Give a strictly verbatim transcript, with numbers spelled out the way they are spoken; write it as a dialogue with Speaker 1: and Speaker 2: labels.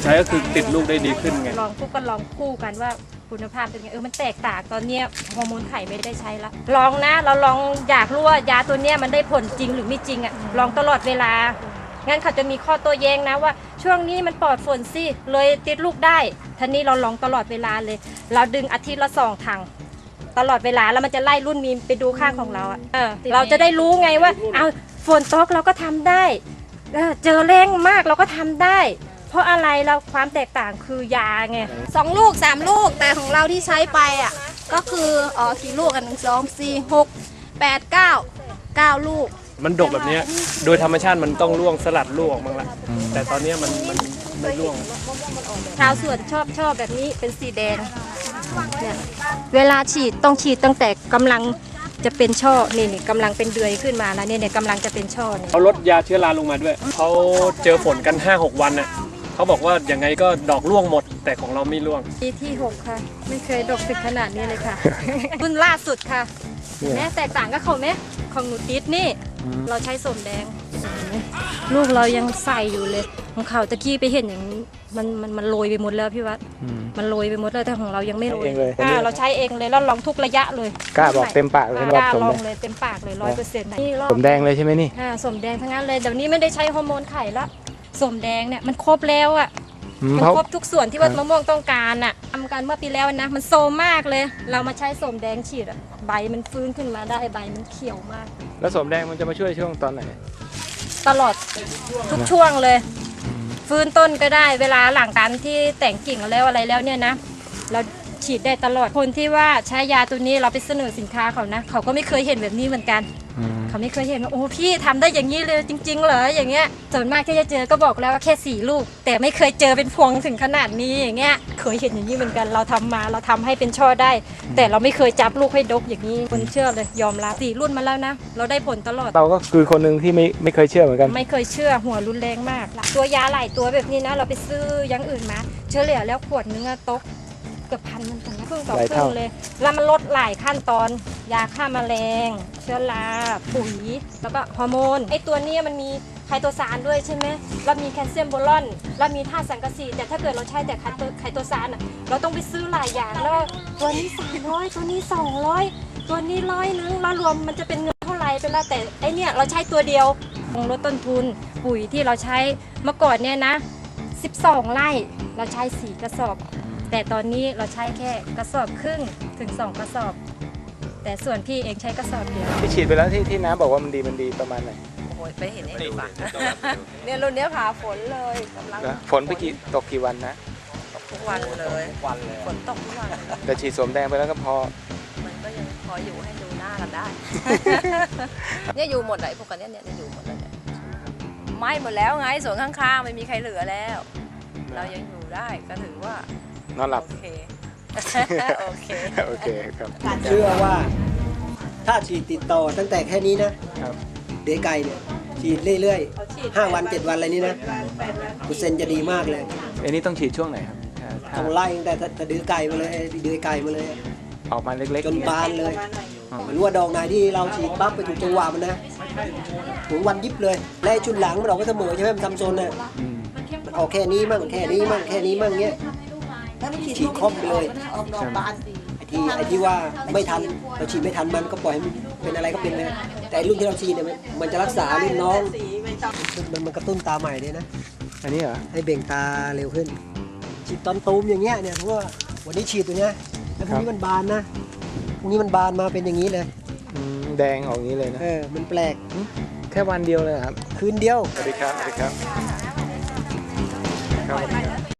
Speaker 1: ใช้ก็คือติดลูกได้ดีขึ้นไง
Speaker 2: ลองคู่ก็ลองคู่กันว่าคุณภาพเป็นไงเออมันแตกต่างตอนเนี้ยฮอร์โมนไข่ไม่ได้ใช้ละลองนะเราลองอยากรู้ว่ายาตัวเนี้ยมันได้ผลจริงหรือไม่จริงอ่ะลองตลอดเวลางั้นเขาจะมีข้อโต้แย้งนะว่าช่วงนี้มันปลอดฝนสิเลยติดลูกได้ท่านี้เราลองตลอดเวลาเลยเราดึงอาทิตย์ละสองถังตลอดเวลาแล้วมันจะไล่รุ่นมีไปดูข้างของเราอ่ะเออเราจะได้รู้ไงว่าเอาฝนตกเราก็ทำได้เออเจอแรงมากเราก็ทำได้เพราะอะไรเราความแตกต่างคือยาไง
Speaker 3: สองลูกสามลูกแต่ของเราที่ใช้ไปอ่ะก็คืออ๋อกี่ลูกกันหนึ่งสองสี่หกแปดเก้าเก้าลูก
Speaker 1: มันดกแบบนี้โดยธรรมชาติมันต้องร่วงสลัดลูกออกมาละแต่ตอนนี้มันมันไม่ร่วง
Speaker 2: ชาวสวนชอบชอบแบบนี้เป็นสีแดงเนี่ยเวลาฉีดต้องฉีดตั้งแต่กำลังจะเป็นช่อนี่นี่กำลังเป็นเดือยขึ้นมาแล้วเนี่ยเนี่ยกำลังจะเป็นช่อนี่
Speaker 1: เขาลดยาเชื้อราลงมาด้วยเขาเจอฝนกัน ห้าหก วันน่ะเขาบอกว่ายังไงก็ดอกร่วงหมดแต่ของเราไม่ร่วง
Speaker 2: ปีที่หกค่ะไม่เคยดกถึงขนาดนี้เลยค่ะ รุ่นล่าสุดค่ะแม่แตกต่างกับเขาไหมของหนูติดนี่เราใช้ส้มแดงลูกเรายังใส่อยู่เลยของเขาตะกี้ไปเห็นอย่างนี้มันมันมันโรยไปหมดแล้วพี่วัดมันโรยไปหมดแล้วแต่ของเรายังไม่โรยเราใช้เองเลยแล้วลองทุกระยะเลย
Speaker 4: กล้าบอกเต็มปากเลย
Speaker 2: กล้าลองเลยเต็มปากเลยร้อยเปอร์เซ็นต์นี่
Speaker 4: สมแดงเลยใช่ไหมนี่
Speaker 2: ส้มแดงทั้งนั้นเลยเดี๋ยวนี้ไม่ได้ใช้ฮอร์โมนไข่ละส้มแดงเนี่ยมันครบแล้วอ่ะมันครบทุกส่วนที่ว่ามะม่วงต้องการอ่ะทำกันเมื่อปีแล้วนะมันโซมมากเลยเรามาใช้ส้มแดงฉีดอ่ะใบมันฟื้นขึ้นมาได้ใบมันเขียวมาก
Speaker 4: แล้วส้มแดงมันจะมาช่วยช่วงตอนไหน
Speaker 2: ตลอดทุกช่วงเลยฟื้นต้นก็ได้เวลาหลังการที่แต่งกิ่งแล้วอะไรแล้วเนี่ยนะเราฉีดได้ตลอดคนที่ว่าใช้ยาตัวนี้เราไปเสนอสินค้าเขานะเขาก็ไม่เคยเห็นแบบนี้เหมือนกันเขาไม่เคยเห็นว่าโอ้พี่ทำได้อย่างนี้เลยจริงๆเหรออย่างเงี้ยส่วนมากที่จะเจอก็บอกแล้วว่าแค่สี่ลูกแต่ไม่เคยเจอเป็นพวงถึงขนาดนี้อย่างเงี้ยเคยเห็นอย่างนี้เหมือนกันเราทำมาเราทำให้เป็นช่อได้แต่เราไม่เคยจับลูกให้ดกอย่างนี้คนเชื่อเลยยอมรับสี่รุ่นมาแล้วนะเราได้ผลตลอด
Speaker 4: เราก็คือคนหนึ่งที่ไม่ไม่เคยเชื่อเหมือนกัน
Speaker 2: ไม่เคยเชื่อหัวรุนแรงมากตัวยาหลายตัวแบบนี้นะเราไปซื้ออย่างอื่นมาเฉลี่ยแล้วขวดนึงอะตกเกือบพันมันถึงครึ่งต่อครึ่งเลยแล้วมันลดหลายขั้นตอนยาฆ่าแมลงเชื้อราปุ๋ยแล้วก็ฮอร์โมนไอตัวนี้มันมีไคโตซานด้วยใช่ไหมแล้วมีแคลเซียมโบรอนแล้วมีธาตุสังกะสีแต่ถ้าเกิดเราใช้แต่ไคโตซานอ่ะเราต้องไปซื้อหลายอย่างแล้วตัวนี้สามร้อยตัวนี้สองร้อยตัวนี้ร้อยนึงแล้วรวมมันจะเป็นเงินเท่าไหร่ไปแล้วแต่ไอเนี้ยเราใช้ตัวเดียวลดต้นทุนปุ๋ยที่เราใช้เมื่อก่อนเนี่ยนะสิบสองไร่เราใช้สี่กระสอบแต่ตอนนี้เราใช้แค่กระสอบครึ่งถึงสองกระสอบแต่ส่วนพี่เองใช้กระสอบเดียว
Speaker 4: ที่ฉีดไปแล้วที่ที่น้ำบอกว่ามันดีมันดีประมาณไหน
Speaker 5: โอ้โหไปเห็นเองดีกว่าเนี่ยรุ่นนี้ผ่าฝนเลยกำลัง
Speaker 4: ฝนไปกี่ตกกี่วันนะ
Speaker 5: ตกทุกวันเลย
Speaker 1: วันเลย
Speaker 5: ฝนตกทุกวัน
Speaker 4: แต่ฉีดสมแดงไปแล้วก็พอ
Speaker 5: มันก็ยังพออยู่ให้ดูหน้ากันได้เนี่ยอยู่หมดเลยพวกกันเนี่ยเนี่ยอยู่หมดเลยไม่หมดแล้วไงสวนข้างๆไม่มีใครเหลือแล้วเรายังอยู่ได้ก็ถือว่าน
Speaker 4: อนหลับ
Speaker 5: โอเคโอเค
Speaker 4: โอเคครับ
Speaker 6: เชื่อว่าถ้าฉีดติดต่อตั้งแต่แค่นี้นะเดือยไก่เนี่ยฉีดเรื่อยๆห้าวันเจ็ดวันอะไรนี้นะเปอร์เซ็นต์จะดีมากเลย
Speaker 4: อันนี้ต้องฉีดช่วงไหนครับ
Speaker 6: ต้องไล่ตั้งแต่เดือยไก่มาเลยเดือยไก่มาเลย
Speaker 4: ออกมาเล็กๆ
Speaker 6: จนบานเลยไม่รู้ว่าดอกไหนที่เราฉีดปั๊บไปถูกจังหวะมันนะถึงวันยิบเลยและชุดหลังมันออกก็เสมอใช่ไหมมันทำโซนน่ะมันออกแค่นี้มั่งแค่นี้มั่งแค่นี้มั่งเงี้ยฉีดครบไปเลยไอ้ที่ไอ้ที่ว่าไม่ทันเราฉีดไม่ทันมันก็ปล่อยให้มันเป็นอะไรก็เป็นเลยแต่รุ่นที่เราฉีดเนี่ยมันจะรักษารุ่นน้องมันมันกระตุ้นตาใหม่เลยนะ
Speaker 4: อันนี้เหรอ
Speaker 6: ให้เบ่งตาเร็วขึ้นฉีดตอนตูมอย่างเงี้ยเนี่ยเพราะว่าวันนี้ฉีดตัวเนี้ยแล้วพรุ่งนี้มันบานนะพรุ่งนี้มันบานมาเป็นอย่างนี้เลย
Speaker 4: แดงออกอย่างนี้เลยนะ
Speaker 6: เออมันแปลก
Speaker 4: แค่วันเดียวเลยครับ
Speaker 6: คืนเดียว
Speaker 4: สวัสดีครับสวัสดีครับ